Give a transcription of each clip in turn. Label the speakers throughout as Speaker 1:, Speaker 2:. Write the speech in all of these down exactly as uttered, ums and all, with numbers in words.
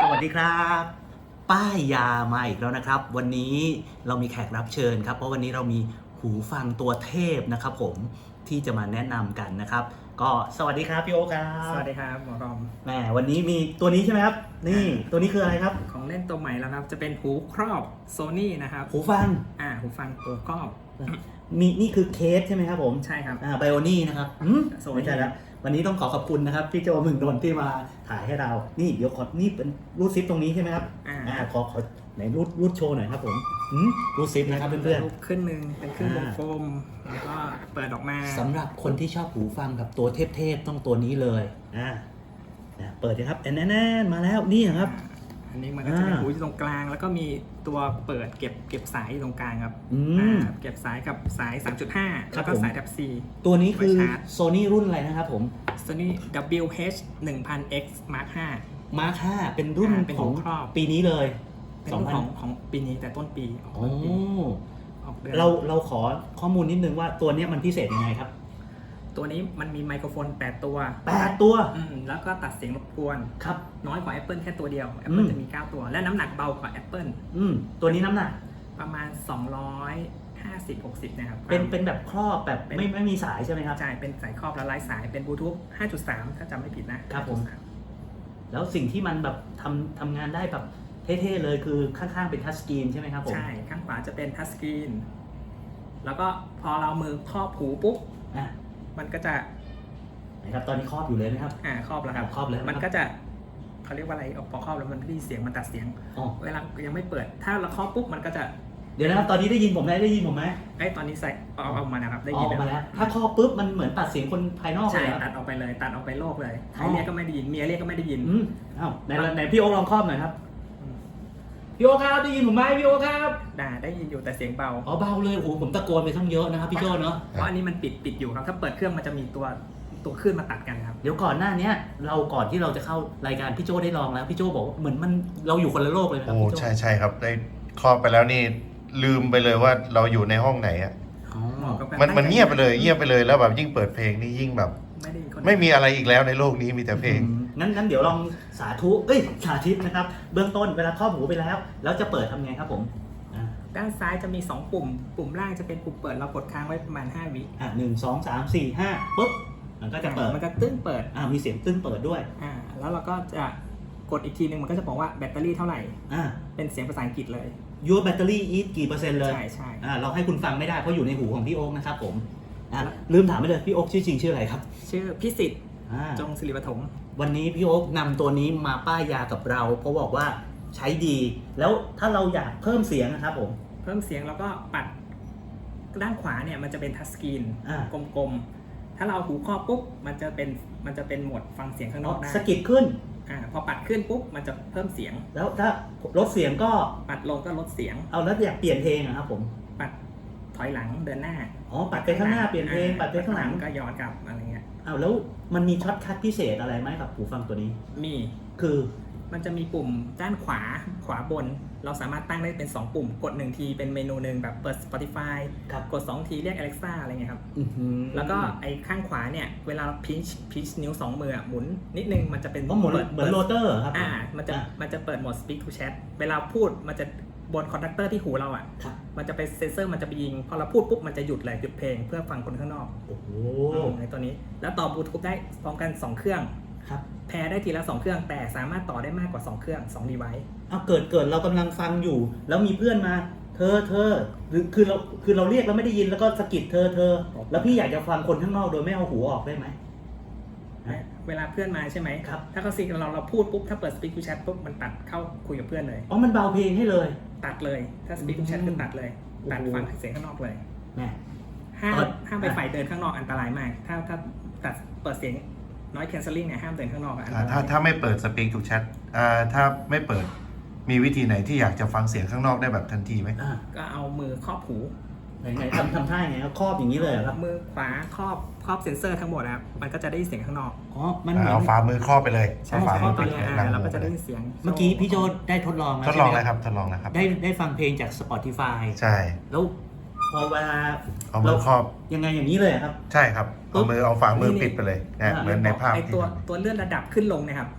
Speaker 1: วัสดีครับป้ายยามาอีกแล้วนะครับวันนี้เรามีแขกรับเชิญครับเพราะวันนี้เรามีหูฟังตัวเทพนะครับผมที่จะมาแนะนำกันนะครับก็สวัสดีครับพี่โอ๊คครับ
Speaker 2: สวัสดีครับหมอรอม
Speaker 1: แหมวันนี้มีตัวนี้ใช่ไหมครับนี่ตัวนี้คืออะไรครับ
Speaker 2: ของเล่นตัวใหม่แล้วครับจะเป็นหูครอบ Sony นะครับ
Speaker 1: หูฟัง
Speaker 2: อ่าหูฟังตัวครอบ
Speaker 1: มีนี่คือเคสใช่ไหมครับผม
Speaker 2: ใช่ครับ
Speaker 1: อ่าไบโอนี่นะครับอืมไม่ใช่แล้ววันนี้ต้องขอขอบคุณนะครับพี่โจมึงนนท์ที่มาถ่ายให้เรานี่เดี๋ยวขอนี่เป็นรูดซิปตรงนี้ใช่ไหมครับ
Speaker 2: อ่า
Speaker 1: ขอขอไหนรูดรูดโชว์หน่อยครับผมอืมรูดซิปนะครับเพื่อน
Speaker 2: ๆขึ้นหนึ่งเป็นขึ้นวงกลมแล้วก็เปิดออกมา
Speaker 1: สำหรับคนที่ชอบหูฟังกับตัวเทพๆต้องตัวนี้เลยอ่าเปิดนะครับแอนแอนมาแล้วนี่ครับ
Speaker 2: อันนี้มันก็จะเป็นหูอยู่ตรงกลางแล้วก็มีตัวเปิดเก็บเก็บสายอยู่ตรงกลางครับเก็บสายกับสาย สามจุดห้า แล้วก็สาย Type C
Speaker 1: ตัวนี้คือ Sony รุ่นอะไรนะครับผม
Speaker 2: Sony ดับเบิลยู เอช หนึ่งพัน เอ็กซ์ Mark ห้า
Speaker 1: Mark ห้าเป็นรุ่นของปีนี้เลย
Speaker 2: เป็นรุ่นของของปีนี้แต่ต้นปี
Speaker 1: โอ้เราเราขอข้อมูลนิดนึงว่าตัวนี้มันพิเศษยังไงครับ
Speaker 2: ตัวนี้มันมีไมโครโฟนแปดตัว
Speaker 1: แปดตัว
Speaker 2: อืมแล้วก็ตัดเสียงรบกวน
Speaker 1: ครับ
Speaker 2: น้อยกว่า Apple แค่ตัวเดียว Apple จะมีเก้าตัวและน้ำหนักเบากว่า Apple
Speaker 1: อืมตัวนี้น้ำหนัก
Speaker 2: ประมาณสองร้อยห้าสิบ หกสิบนะครับ
Speaker 1: เป็นเป็นแบบครอบแบบไม่ไม่มีสายใช่ไหมครับ
Speaker 2: ใช่เป็นสายครอบและไร้สายเป็นบลูทูธ ห้าจุดสาม ถ้าจำไม่ผิดนะครับ
Speaker 1: ผมแล้วสิ่งที่มันแบบทำทำงานได้แบบเท่ๆเลยคือข้างๆเป็นทัชสกรีนใช่ไหมครับผม
Speaker 2: ใช่ข้างขวาจะเป็นทัชสกรีนแล้วก็พอเรามือครอบหูปุ๊บ
Speaker 1: อ่ะ
Speaker 2: มันก็จะ
Speaker 1: นะครับตอนนี้ครอบอยู่เลยไหมครับ
Speaker 2: อ่าครอบแล้วครับ
Speaker 1: ครอบเลย
Speaker 2: มันก็จะเขาเรียกว่าอะไรพอครอบแล้วมันไม่ได้เสียงมันตัดเสียงเวลายังไม่เปิดถ้าเราครอบปุ๊บมันก็จะ
Speaker 1: เดี๋ยวนะครับตอนนี้ได้ยินผมไหมได้ยินผมไหม
Speaker 2: ไอ้ตอนนี้ใส่เอาออกมานะครับได้ยิน
Speaker 1: ออกมาแล้วถ้าครอบปุ๊บมันเหมือนตัดเสียงคนภายนอก
Speaker 2: ใช่ตัดออกไปเลยตัดออกไปโลกเลยใครเรียกก็ไม่ได้ยินเมียเรียกก็ไม่ได้ยิน
Speaker 1: อืมอ้าวไหนไหนพี่โอ๊คลองครอบหน่อยครับพี่โอ๊คครับได้ยินผมไหมพี่โอ๊คครับ
Speaker 2: ได้ได้ยินอยู่แต่เสียงเบา
Speaker 1: อ๋อเบาเลยโอ้โหผมตะโกนไปทั้งเยอะนะครับพี่โจ้เนาะ
Speaker 2: เพราะอันนี้มันปิดปิดอยู่ครับถ้าเปิดเครื่องมันจะมีตัวตัวขึ้นมาตัดกันครับ
Speaker 1: เดี๋ยวก่อนหน้านี้เราก่อนที่เราจะเข้ารายการพี่โจ้ได้ลองแล้วพี่โจ้บอกเหมือนมันเราอยู่คนละโลกเลยครับ
Speaker 3: โอ้ใช่ใช่ครับได้ครอบไปแล้วนี่ลืมไปเลยว่าเราอยู่ในห้องไหนอ่ะมันมันเงียบไปเลยเงียบไปเลยแล้วแบบยิ่งเปิดเพลงนี่ยิ่งแบบไม่มีอะไรอีกแล้วในโลกนี้มีแต่เพลง
Speaker 1: งั้นงั้นเดี๋ยวลองสาธุเอ้ยสาธิตนะครับเบื้องต้นเวลาครอบหูไปแล้วแล้วจะเปิดทำไงครับผม
Speaker 2: ด้านซ้ายจะมีสองปุ่มปุ่มล่างจะเป็นปุ่มเปิดเรากดค้างไว้ประมาณห้าวิ
Speaker 1: อ่ะหนึ่งสองสามสี่ห้าปุ๊บมันก็จะเปิด
Speaker 2: มันจะตึ้งเปิด
Speaker 1: อ่ามีเสียงตึ้งเปิดด้วย
Speaker 2: อ่าแล้วเราก็จะกดอีกทีนึงมันก็จะบอกว่าแบตเตอรี่เท่าไหร่
Speaker 1: อ่า
Speaker 2: เป็นเสียงภาษาอังกฤษเลย
Speaker 1: your battery is กี่เปอร์เซ็นต์เลย
Speaker 2: ใช่ใช่
Speaker 1: อ่าเราให้คุณฟังไม่ได้เพราะอยู่ในหูของพี่โอ๊คนะครับผมอ่าลืมถามไปเลยพี่โอ๊คชื่อจริงชื่ออะไรครับ
Speaker 2: ชื่อพิสิทธิ์จงศิริปฐม
Speaker 1: วันนี้พี่โอ๊คนำตัวนี้มาป้ายยากับเราเพราะบอกว่าใช้ดีแล้วถ้าเราอยากเพิ่มเสียงนะครับผม
Speaker 2: เพิ่มเสียงแล้วก็ปัดด้านขวาเนี่ยมันจะเป็นทัชสกรีนกลมๆถ้าเราหูครอบปุ๊บมันจะเป็นมันจะเป็นโหมดฟังเสียงข้างนอกได้
Speaker 1: สกิดขึ้น
Speaker 2: อ่าพอปัดขึ้นปุ๊บมันจะเพิ่มเสียง
Speaker 1: แล้วถ้าลดเสียงก็
Speaker 2: ปัดลงก็ลดเสียง
Speaker 1: เอาแล้วอยากเปลี่ยนเพลงนะครับผม
Speaker 2: ปัดถอยหลังเดินหน้า
Speaker 1: อ๋อปัดไปข้างหน้าเปลี่ยนเพลงปัดไปข้างหลัง
Speaker 2: ก็ย้อนกลับอะไรเงี้ย
Speaker 1: เอาแล้วมันมีช็อตคัทพิเศษอะไรไหมกับหูฟังตัวนี้
Speaker 2: มี
Speaker 1: คือ
Speaker 2: มันจะมีปุ่มด้านขวาขวาบนเราสามารถตั้งได้เป็นสองปุ่มกดหนึ่งทีเป็นเมนูหนึ่งแบบเปิด Spotify กดสองทีเรียก Alexa อะไรเงี้ยครับแล้วก็ไอ้ข้างขวาเนี่ยเวลาพิชพิชนิ้วสองมือหมุนนิดนึงมันจะเป็น
Speaker 1: เหมือนเหมือนโรเตอร์ครับ
Speaker 2: อ่ามันจะมันจะเปิดโหมด Speak to Chat เวลาพูดมันจะบนคอนดักเตอร์ที่หูเราอ่ะมันจะเป็นเซนเซอร์มันจะไปยิงพอเราพูดปุ๊บมันจะหยุดเลยหยุดเพลงเพื่อฟังคนข้างนอก
Speaker 1: โอ้โห
Speaker 2: ในตัวนี้แล้วต่อบลูทูธได้พร้อมกันสองเครื่องแพร์ได้ทีละสองเครื่องแต่สามารถต่อได้มากกว่าสองเครื่องสอง device
Speaker 1: เอาเกิดเกิดเรากำลังฟังอยู่แล้วมีเพื่อนมาเธอเธอหรือคือเราคือเราเรียกแล้วไม่ได้ยินแล้วก็สะกิดเธอเธอแล้วพี่อยากจะฟังคนข้างนอกโดยไม่เอาหูออกได้ไหม
Speaker 2: เวลาเพื่อนมาใช่ไหมครับถ้าเขาซีกันเราเราพูดปุ๊บถ้าเปิด Speak to Chat ปุ๊บมันตัดเข้าคุยกับเพื่อนเลย
Speaker 1: อ๋อมันเบาเพลงให้เลย
Speaker 2: ตัดเลยถ้า Speak to Chat คือตัดเลยตัดฟังเสียงข้างนอกเลย
Speaker 1: แม่
Speaker 2: ห้ามห้ามไปฝ่ายเดินข้างนอกอันตรายมากถ้าถ้าตัดเปิดเสียงน้อย cancelling เนี่ยห้ามเดินข้างนอกอ่ะ
Speaker 3: ถ้าถ้าไม่เปิด Speak to Chat อ่าถ้าไม่เปิดมีวิธีไหนที่อยากจะฟังเสียงข้างนอกได้แบบทันทีไหม
Speaker 2: ก็เอามือครอบหู
Speaker 1: ไหนไหนทำทำท่าไงครับครอบอย่างนี้เลยครับ
Speaker 2: มือขวาครอบครอบเซนเซอร์ทั้งหมดนะครับมันก็จะได้ยินเสียงข้างนอก
Speaker 1: อ๋อมัน
Speaker 3: เอาฝ่ามือครอบไปเลย
Speaker 2: ใช่ฝ่ามือไปเลยเราก็จะได้ยินเสียง
Speaker 1: เมื่อกี้พี่โจได้ทดลอง
Speaker 3: แล้วทดลองแล้วครับทดลองแล้วครับ
Speaker 1: ได้ได้ฟังเพลงจาก Spotify
Speaker 3: ใช่
Speaker 1: แล้วพอเวลา
Speaker 3: เอามือครอบ
Speaker 1: ยังไงอย่างนี้เลยครับ
Speaker 3: ใช่ครับเอามือเอาฝ่ามือปิดไปเลยนะเหมือนในภาพ
Speaker 2: ไอตัวตัวเลื่อนระดับขึ้นลงนะครับ
Speaker 1: ครับ
Speaker 2: ม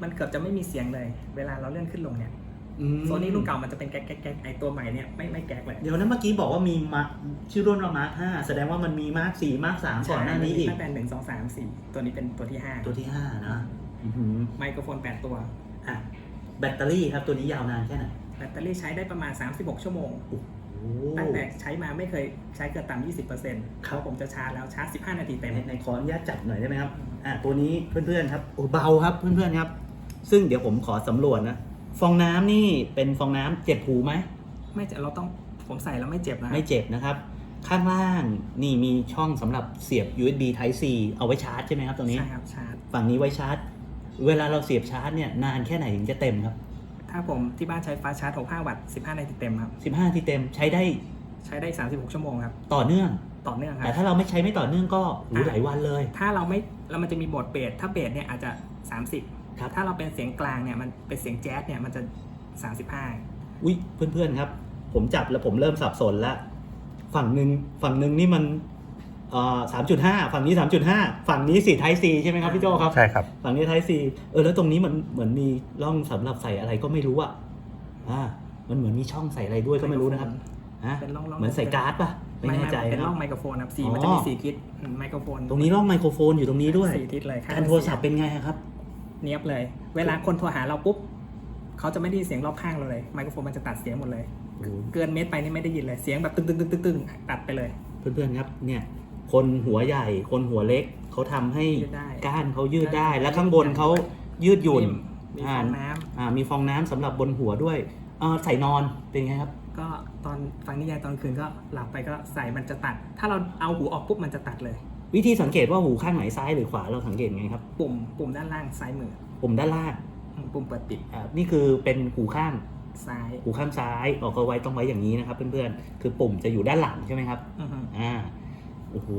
Speaker 2: มันเกือบจะไม่มีเสียงเลย เวลาเราเลื่อนขึ้นลงเนี่ย
Speaker 1: อืม
Speaker 2: โซนี่รุ่นเก่ามันจะเป็นแก๊กแก๊กแก๊กไอตัวใหม่เนี่ยไม่ไม่แก๊กเลย
Speaker 1: เดี๋ยวนั้นเมื่อกี้บอกว่ามีมาชื่อรุ่นว่ามาร์คห้าแสดงว่ามันมีมาร์คสี่มาร์คสามก่อนหน้านี้อีก
Speaker 2: ตั้งแต่หนึ่งสองสามสี่ตัวนี้เป็นตัวที่ห้า
Speaker 1: ตัวที่ห้านะอื้อหือ
Speaker 2: ไมโครโฟนแปดตัว
Speaker 1: อ่ะแบตเตอรี่ครับตัวนี้ยาวนานแค่ไหน
Speaker 2: แบตเตอรี่ใช้ได้ประมาณสามสิบหกชั่วโมง
Speaker 1: โอ้โห
Speaker 2: ตั้งแต่ใช้มาไม่เคยใช้เกินต่ำยี่สิบเปอร์เซ็นต์
Speaker 1: ครับ
Speaker 2: ผมจะชาร์จแล้วชาร์จสิบห้านาทีเต็ม
Speaker 1: ในในขออนุญาตจับหน่อยได้ไหมครับอ่ะตัวนี้เพื่อนๆครับโอ้เบาครับเพื่อนๆครับซึ่งเดี๋ยวผมขอสำรวจนะฟองน้ำนี่เป็นฟองน้ำเจ็บหูไหม
Speaker 2: ไม่จะเราต้องผมใส่แล้วไม่เจ็บนะ
Speaker 1: ไม่เจ็บนะครับ ข้างล่างนี่มีช่องสำหรับเสียบ ยู เอส บี Type C เอาไว้ชาร์จใช่ไหมครับตรงนี้
Speaker 2: ใช่ครับชาร์จ
Speaker 1: ฝั่งนี้ไว้ชาร์จ เวลาเราเสียบชาร์จเนี่ยนานแค่ไหนถึงจะเต็มครับ
Speaker 2: ถ้าผมที่บ้านใช้ฟ้าชาร์จหกสิบห้าวัตต์สิบห้านาทีเต็มครับ
Speaker 1: สิบห้านาทีเต็มใช้ได้
Speaker 2: ใช้ได้สามสิบหกชั่วโมงครับ
Speaker 1: ต่อเนื่อง
Speaker 2: ต่อเนื่องครั
Speaker 1: แต่
Speaker 2: บ
Speaker 1: ถ้าเราไม่ใช้ไม่ต่อเนื่องก็หูหลายวันเลย
Speaker 2: ถ้าเราไม่แล้วมันจะมีโหมดเบสถ้าเบสเนี่ยอาจจะสามสิบ
Speaker 1: ครับ
Speaker 2: ถ้าเราเป็นเสียงกลางเนี่ยมันเป็นเสียงแจ๊สเนี่ยมันจะสามสิบห้า
Speaker 1: อุ้ยเพื่อนๆครับ ผมจับแล้วผมเริ่มสับสนแล้วฝั่งหนึ่งฝั่งหนึ่งนี่มันเอ่อสามจุดห้าฝั่งนี้สามจุดห้าฝั่งนี้สี่ Type C ใช่ไหมครับพี่โจครับ
Speaker 3: ใช่ครับ
Speaker 1: ฝั่งนี้ Type C เออแล้วตรงนี้มันเหมือนมีร่องสำหรับใส่อะไรก็ไม่รู้อ่ะอ่ามันเหมือนมีช่องใส่อะไรด้วยก็ไม่รู้นะครับฮะ
Speaker 2: เป็นร่องๆ
Speaker 1: เหมือนใส่การ์ดป่ะไม่แน่ใจ
Speaker 2: เป็น
Speaker 1: นะ
Speaker 2: ร่องไมโครโฟนครับสี
Speaker 1: อ๋อ
Speaker 2: มันจะมีสี่ทิศอืมไมโครโฟน
Speaker 1: ตรงนี้ร่องไมโครโฟนอยู่ตรงนี้ด้วย
Speaker 2: สี่ทิศเลยข้ง
Speaker 1: การโทรศัพท์เป็นไงครับ
Speaker 2: เนียบเลย เวลาคนโทรหาเราปุ๊บเขาจะไม่ได้ยินเสียงรอบข้างเราเลยไมโครโฟนมันจะตัดเสียงหมดเลย เกินเมตรไปนี่ไม่ได้ยินเลยเสียงแบบตึ้งตึ้งตึ้งตึ้งตึ้งตัดไปเลย
Speaker 1: เพื่อนๆครับเนี่ยคนหัวใหญ่คนหัวเล็กเขาทำให้
Speaker 2: ยืดได้
Speaker 1: ก้านเขายืดได้ และข้างบนเขายืดหยุ่น
Speaker 2: มีฟองน้ำ
Speaker 1: อ่ามีฟองน้ำสำหรับบนหัวด้วยเอ่อใส่นอนเป็นไงครับ
Speaker 2: ก็ตอนฟังนิยายตอนคืนก็หลับไปก็ใส่มันจะตัด ถ้าเราเอาหูออกปุ๊บมันจะตัดเลย
Speaker 1: วิธีสังเกตว่าหูข้างไหนซ้ายหรือขวาเราสังเกตไงครับ
Speaker 2: ปุ่มปุ่มด้านล่างซ้ายมือ
Speaker 1: ปุ่มด้านล่าง
Speaker 2: อืมปุ่มเปิดปิด
Speaker 1: อ่านี่คือเป็นหูข้าง
Speaker 2: ซ้าย
Speaker 1: หูข้างซ้ายออกเอาไว้ต้องไว้อย่างนี้นะครับ เพื่อนๆคือปุ่มจะอยู่ด้านหลังใช่ไหมครับ
Speaker 2: อือฮึ
Speaker 1: อ่าโอ้โห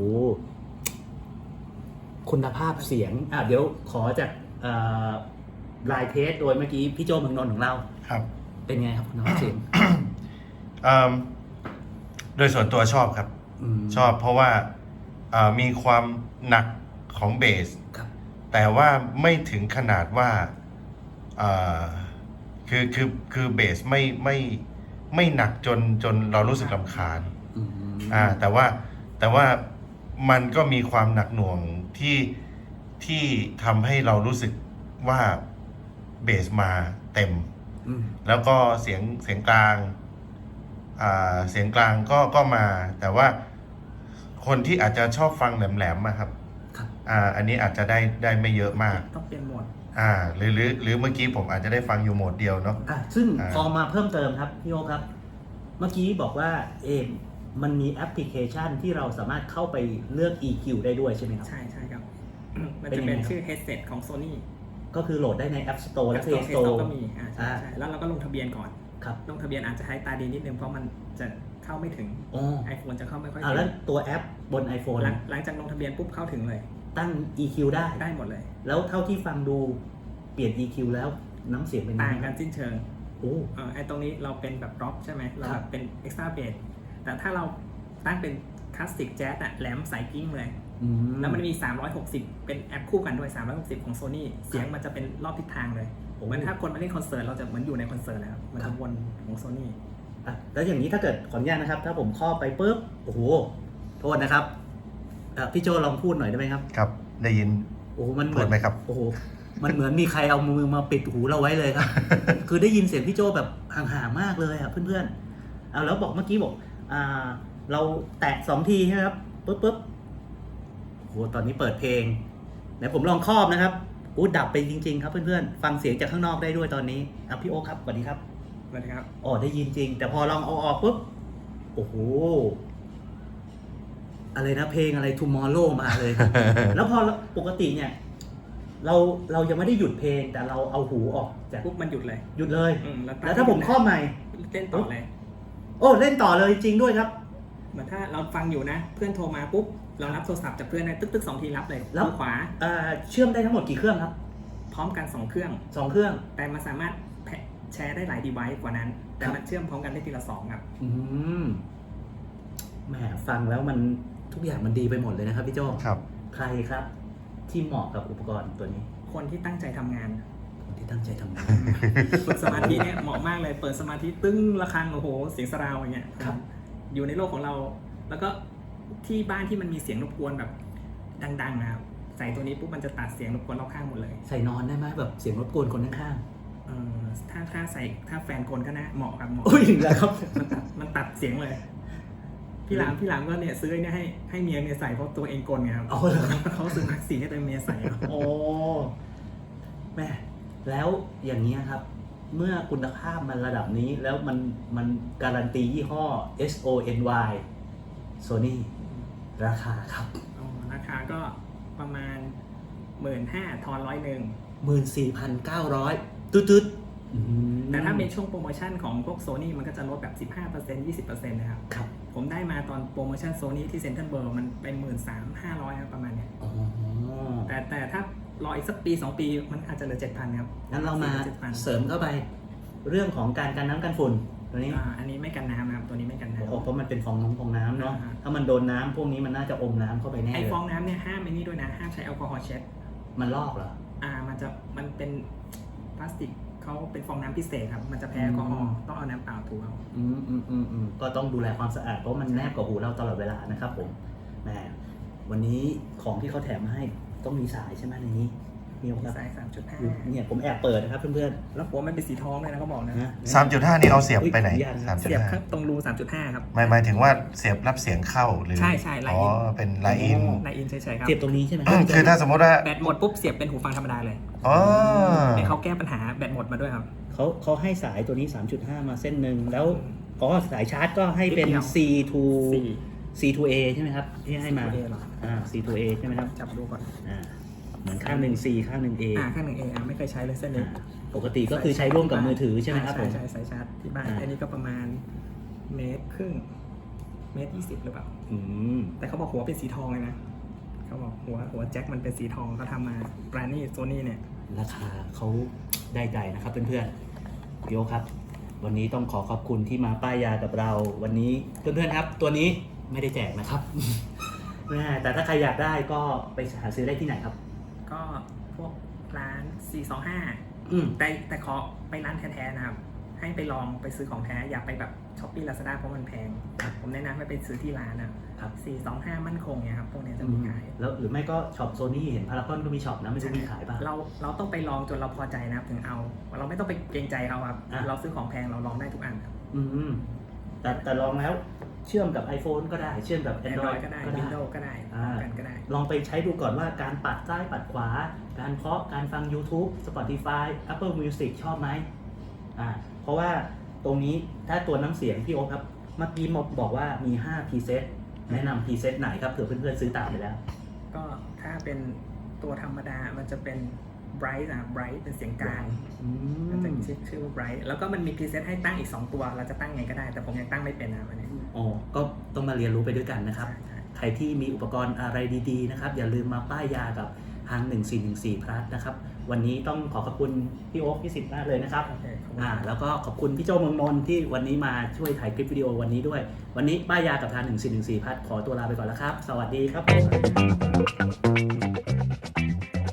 Speaker 1: คุณภาพเสียงอ่ะเดี๋ยวขอจากเอ่อลายเทสโดยเมื่อกี้พี่โจเมืองนนท์ของเรา
Speaker 3: ครับ
Speaker 1: เป็นไงครับคุณภาพเสียง
Speaker 3: อืมโดยส่วนตัวชอบครับ
Speaker 1: ม
Speaker 3: ชอบเพราะว่าอ่ามีความหนักของเบส
Speaker 1: ครับ
Speaker 3: แต่ว่าไม่ถึงขนาดว่าอ่าคือคือคือเบสไม่ไม่ไม่หนักจนจนเรารู้สึกรำคาญ
Speaker 1: อืม
Speaker 3: อ่าแต่ว่าแต่ว่ามันก็มีความหนักหน่วงที่ที่ทำให้เรารู้สึกว่าเบสมาเต็ม
Speaker 1: อืม
Speaker 3: แล้วก็เสียงเสียงกลางอ่าเสียงกลางก็ก็มา แต่ว่าคนที่อาจจะชอบฟังแหลมๆอะครับ
Speaker 1: ครับ
Speaker 3: อ่าอันนี้อาจจะได้ได้ไม่เยอะมาก
Speaker 2: ต้องเปลี่ยนโหมด
Speaker 3: อ่าหรือหรือหรือเมื่อกี้ผมอาจจะได้ฟังอยู่โหมดเดียวเนาะ
Speaker 1: อ่ะซึ่ง
Speaker 3: อ่า
Speaker 1: พอมาเพิ่มเติมครับพี่โอครับ เมื่อกี้บอกว่าเอมมันมีแอปพลิเคชันที่เราสามารถเข้าไปเลือก อี คิว ได้ด้วยใช่ไหมครับ
Speaker 2: ใช่ใช่ครับ มัน
Speaker 1: เป็น
Speaker 2: จะ
Speaker 1: ยังไง
Speaker 2: เป็น
Speaker 1: ครับ
Speaker 2: ชื่อ headset ของ Sony
Speaker 1: ก็คือโหลดได้ใน App Store และ
Speaker 2: App
Speaker 1: Play
Speaker 2: Store
Speaker 1: Store
Speaker 2: ก็มีอ่าใช่
Speaker 1: อ่า
Speaker 2: ใช่แล้วเราก็ลงทะเบียนก่อน
Speaker 1: ครับ
Speaker 2: ลงทะเบียนอาจจะใช้ตาดีนิดนึงเพราะมันจะเข้าไม่ถึง
Speaker 1: อ๋อ
Speaker 2: iPhone จะเข้าไม่ค่อย
Speaker 1: อ่า
Speaker 2: ถึง
Speaker 1: แล้วตัวแอปบน iPhone
Speaker 2: หลังหลังจากลงทะเบียนปุ๊บเข้าถึงเลย
Speaker 1: ตั้ง อี คิว ได้
Speaker 2: ได้หมดเลย
Speaker 1: แล้วเท่าที่ฟังดูเปลี่ยน อี คิว แล้วน้ำเสียงเป็นยัง
Speaker 2: ต่าง
Speaker 1: ไง
Speaker 2: กันสิ้นเชิง
Speaker 1: โอ้
Speaker 2: เอ่อไอ้ตรงนี้เราเป็นแบบร็อกใช่ไหมเรา
Speaker 1: ครับ
Speaker 2: แบบเป็น extra bass แต่ถ้าเราตั้งเป็นคลาสสิกแจ๊สอะแหลมสายกิ้งเลย
Speaker 1: อื
Speaker 2: แล้วมันมีสามร้อยหกสิบเป็นแอปคู่กันด้วยสามร้อยหกสิบของ Sony เสียงมันจะเป็นรอบทิศทางเลยเหมือนถ้าคนมาเล่นคอนเสิร์ตเราจะเหมือนอยู่ในคอนเสิร์ตแล้วมันจะวนของ Sony
Speaker 1: อ่ะแล้วอย่างนี้ถ้าเกิดขออนุญาตนะครับ ถ้าผมครอบไปปุ๊บโอ้โหโทษนะครับอ่ะพี่โจลองพูดหน่อยได้ไหมครับ
Speaker 3: ครับ ได้ยิน
Speaker 1: โอ้โหมันเห
Speaker 3: พู
Speaker 1: มือ
Speaker 3: ด
Speaker 1: น
Speaker 3: ไหมครับ
Speaker 1: โอ้โหมันเหมือนมีใครเอามือมาปิดหูเราไว้เลยครับ คือได้ยินเสียงพี่โจแบบห่างๆมากเลยอ่ะเพื่อนๆเอาแล้วบอกเมื่อกี้บอกอ่าเราแตะสองทีใช่ไหมครับปุ๊บปุ๊บโอ้โหตอนนี้เปิดเพลงไหนผมลองครอบนะครับอู้ดับไปจริงๆครับเพื่อนๆฟังเสียงจากข้างนอกได้ด้วยตอนนี้อ่ะพี่โอ๊คครับสวัสดีครับ
Speaker 2: นะครับ
Speaker 1: อ๋อได้ยินจริง แต่พอลองเอาออกปุ๊บโอ้โหอะไรนะเพลงอะไร Tomorrow มาเลย แล้วพอปกติเนี่ย เราเรายังไม่ได้หยุดเพลง แต่เราเอาหูออกจาก
Speaker 2: ปุ๊บมันหยุดเลย
Speaker 1: หยุดเลย
Speaker 2: อืมแล้ว
Speaker 1: แล้วถ้าผมครอบใหม่
Speaker 2: เล่นต่อเลย
Speaker 1: โอ้เล่นต่อเลยจริงด้วยครับ
Speaker 2: เหมือนถ้าเราฟังอยู่นะ เพื่อนโทรมาปุ๊บเรารับโทรศัพท์จากเพื่อนนะตึ๊กตึ๊กสองทีรับเลย
Speaker 1: แล้ว
Speaker 2: มือขวา
Speaker 1: อ่าเชื่อมได้ทั้งหมดกี่เครื่องครับ
Speaker 2: พร้อมกันสองเครื่อง
Speaker 1: สองเครื่อง
Speaker 2: แต่มันสามารถแชร์ได้หลาย device กว่านั้น แต่มันเชื่อมพร้อมกันได้ทีละสองครับ
Speaker 1: อืมแหมฟังแล้วมันทุกอย่างมันดีไปหมดเลยนะครับพี่โจ
Speaker 3: ครับ
Speaker 1: ใครครับ ที่เหมาะกับอุปกรณ์ตัวนี้
Speaker 2: คนที่ตั้งใจทำงาน
Speaker 1: อคนที่ตั้งใจทำงาน
Speaker 2: ฝึกสมาธิเนี่ยเหมาะมากเลยเปิดสมาธิตึ้งระฆังโอ้โหเสียงสราวอย่างเงี้ย
Speaker 1: ครับ
Speaker 2: อยู่ในโลกของเรา แล้วก็ที่บ้านที่มันมีเสียงรบกวนแบบดังๆนะครับใส่ตัวนี้ปุ๊บมันจะตัดเสียงรบกวนรอบข้างหมดเลย
Speaker 1: ใส่นอนได้ไหมแบบเสียงรบกวนคนข้าง
Speaker 2: เออถ้าถ้าใส่ถ้าแฟนกลก็น่าเหมาะครับเหมาะ
Speaker 1: ๆอุ้ยถึงแล้วครับ
Speaker 2: มันตัดมันตัดเสียงเลย พี่หลามพี่หลามก็เนี่ยซื้อเนี่ยให้ให้เมียเมียใส่เพราะตัวเองกลไงครับ
Speaker 1: เอาเหรอครับ
Speaker 2: เขาซื้อมาสีให้ตัวเมียใส่ครับ
Speaker 1: โอ้แม่แล้วอย่างนี้ยครับ เมื่อคุณภาพมันระดับนี้แล้วมันมันการันตียี่ห้อ เอส โอ เอ็น วาย Sony ราคาครับ
Speaker 2: อ๋อราคาก็ประมาณหมื่นห้าทอนร้อยหนึ่ง
Speaker 1: หมื่นสี่พันเก้าร้อยตืดๆอืม
Speaker 2: แต่ถ้าเป็นช่วงโปรโมชั่นของพวกโซนี่มันก็จะลดแบบ สิบห้าเปอร์เซ็นต์ ยี่สิบเปอร์เซ็นต์ นะครับ
Speaker 1: ครับ
Speaker 2: ผมได้มาตอนโปรโมชั่นโซนี่ที่เซ็นทรัลเวิลด์มันเป็นหมื่นสามห้าร้อยครับประมาณเนี้ย
Speaker 1: อ๋อ
Speaker 2: แต่แต่ถ้ารออีกสักปีสองปีมันอาจจะเหลือเจ็ดพันครับ
Speaker 1: งั้นเรามา
Speaker 2: เจ็ดพัน
Speaker 1: เสริมเข้าไป เรื่องของการกันน้ำกันฝุ่นตัวนี้
Speaker 2: อ่าอันนี้ไม่กันน้ำนะครับตัวนี้ไม่กันน้ำ
Speaker 1: โอ้เพราะมันเป็นฟองน้ำฟองน้ำเนาะ
Speaker 2: อ่า
Speaker 1: ถ้ามันโดนน้ำพวกนี้มันน่าจะอมน้ำเข้าไปแน่
Speaker 2: ไอ
Speaker 1: เลย
Speaker 2: ฟองน้ำเนี่ยห้ามไอ้นี่ด้วยนะห้ามใช้แอลกอฮอล์เช็ด
Speaker 1: มันลอกเหรอ
Speaker 2: อ่ามันจะมันเป็นพลาสติกเขาเป็นฟองน้ำพิเศษครับมันจะแพ้แอลกอฮอล์ต้องเอาน้ำเปล่าถูเอา
Speaker 1: อืมอืมอืมอืมก็ต้องดูแลความสะอาดเพราะมันแนบกับหูเราตลอดเวลานะครับผมแหมวันนี้ของที่เขาแถมมาให้ต้องมีสายใช่ไหมในนี้มี
Speaker 2: มี
Speaker 1: ครับ
Speaker 2: ไซส์สามจุดห้า
Speaker 1: เนี่ยผมแอบเปิดนะครับเพื่อน
Speaker 2: แล้วหัวมันเป็นสีทองเลยนะเขาบอกนะ
Speaker 1: ๆนะ
Speaker 3: สามจุดห้านี่เอาเสียบไปไหน
Speaker 1: อุ๊ยขออนุญาตนะ
Speaker 3: สามจุด
Speaker 2: เสียบ
Speaker 3: ห้า
Speaker 2: ข้างตรงรูสามจุดห้าครับ
Speaker 3: หมายหมายถึงว่าเสียบรับเสียงเข้าหรือ
Speaker 2: ใช่ใช่ไลน์
Speaker 3: อ๋อ
Speaker 2: อิน
Speaker 3: เป็นไลน์อิน
Speaker 2: ในอินเฉยๆครับ
Speaker 1: เสียบตรงนี้ใช่ไหม
Speaker 3: คือถ้าสมมติว่า
Speaker 2: แบตหมดปุ๊บเสียบเป็นหูฟังธรรมดาเลย
Speaker 3: อ๋อ
Speaker 2: เนี่ยเขาแก้ปัญหาแบตหมดมาด้วยครับ
Speaker 1: เขาเขาให้สายตัวนี้ สามจุดห้า มาเส้นหนึ่งแล้วอ๋อสายชาร์จก็ให้เป็น
Speaker 2: นิดเดียว
Speaker 1: C to
Speaker 2: สี่
Speaker 1: C to A ใช่ไหมครับที่ให้มา
Speaker 2: C to A เหรอ
Speaker 1: อ่า C to A ใช่ไหมครับ
Speaker 2: จับดูก่อน
Speaker 1: อ่าเหมือนข้างหนึ่ง C ข้างหนึ่ง A
Speaker 2: อ่าข้างหนึ่งเอไม่เคยใช้เลยเส้นนี้
Speaker 1: อ่าปกติก็คือใช้ร่วมกับมือถือใช่ไหมครับผม
Speaker 2: ใช่ใช่สายชาร์จที่บ้าน
Speaker 1: อ่า
Speaker 2: อันนี้ก็ประมาณเมตรครึ่งเมตรยี่สิบหรือเปล่า
Speaker 1: อืม
Speaker 2: แต่เขาบอกหัวเป็นสีทองเลยนะเขาบอกหัวหัวแจ็คมันเป็นสีทองเขาทำมาแบรนด์นี่โซนี่เนี่ย
Speaker 1: ราคาเขาได้ใจนะครับเพื่อนๆพี่โอครับ วันนี้ต้องขอขอบคุณที่มาป้ายยากับเรา วันนี้เพื่อนๆครับ ตัวนี้ไม่ได้แจกนะครับ แม่แต่ถ้าใครอยากได้ก็ไปหาซื้อได้ที่ไหนครับ
Speaker 2: ก็พวกร้านสี่สองห้า
Speaker 1: อืม
Speaker 2: แต่แต่ขอไปร้านแท้ๆนะครับ ให้ไปลองไปซื้อของแท้ อย่าไปแบบช้อปปี้ลาซาด้าเพราะมันแพง ผมแนะนำให้ไปซื้อที่ร้านนะครับ สี่สองห้ามั่นคงเนี่ยครับพวกเนี้ยจะมีขาย
Speaker 1: แล้วหรือไม่ก็ช็อปโซนี่เห็นพารากอนก็มีช็อปนะไม่รู้มีขายป่ะ
Speaker 2: เราเราต้องไปลองจนเราพอใจนะครับถึงเอา เราไม่ต้องไปเกรงใจเขาครับ
Speaker 1: อ่ะ
Speaker 2: เราซื้อของแพงเราลองได้ทุกอันครับ
Speaker 1: อืมแต่แต่ลองแล้วเชื่อมกับ iPhone ก็ได้ เชื่อมกับ
Speaker 2: Android
Speaker 1: Android
Speaker 2: ก็ได้
Speaker 1: ก็ได้
Speaker 2: Windows ก็ได้พร้อมกันก็ได้
Speaker 1: ลองไปใช้ดูก่อนว่าการปัดซ้ายปัดขวา การเคาะการฟัง YouTube Spotify Apple Music ชอบไหมอ่าเพราะว่าตรงนี้ถ้าตัวน้ำเสียงพี่โอ๊คครับเมื่อกี้มบอกว่ามีห้า preset แนะนำ preset ไหนครับเผื่อเพื่อนๆซื้อตามไปแล้ว
Speaker 2: ก็ถ้าเป็นตัวธรรมดามันจะเป็น bright นะ bright เป็นเสียงกลาง
Speaker 1: อื
Speaker 2: มันจะ
Speaker 1: ม
Speaker 2: ชื่อชื่อว่า bright แล้วก็มันมี preset ให้ตั้งอีกสองตัว เราจะตั้งไงก็ได้ แต่ผมยังตั้งไม่เป็นนะอันนี้
Speaker 1: อ๋อก็ต้องมาเรียนรู้ไปด้วยกันนะครับ
Speaker 2: ใช่ใช่
Speaker 1: ใครที่มีอุปกรณ์อะไรดีๆนะครับ อย่าลืมมาป้ายยากับทางหนึ่งสี่หนึ่งสี่ plus นะครับ วันนี้ต้องขอขอบคุณพี่โอ๊คพี่สิทธิ์มากเลยนะครับ
Speaker 2: โอเคขอบคุณ
Speaker 1: อ่าแล้วก็ขอบคุณพี่โจเมืองนนท์ที่วันนี้มาช่วยถ่ายคลิปวิดีโอวันนี้ด้วย วันนี้ป้ายยากับทางหนึ่งสี่หนึ่งสี่ plus ขอตัวลาไปก่อนแล้วครับ สวัสดีครับผม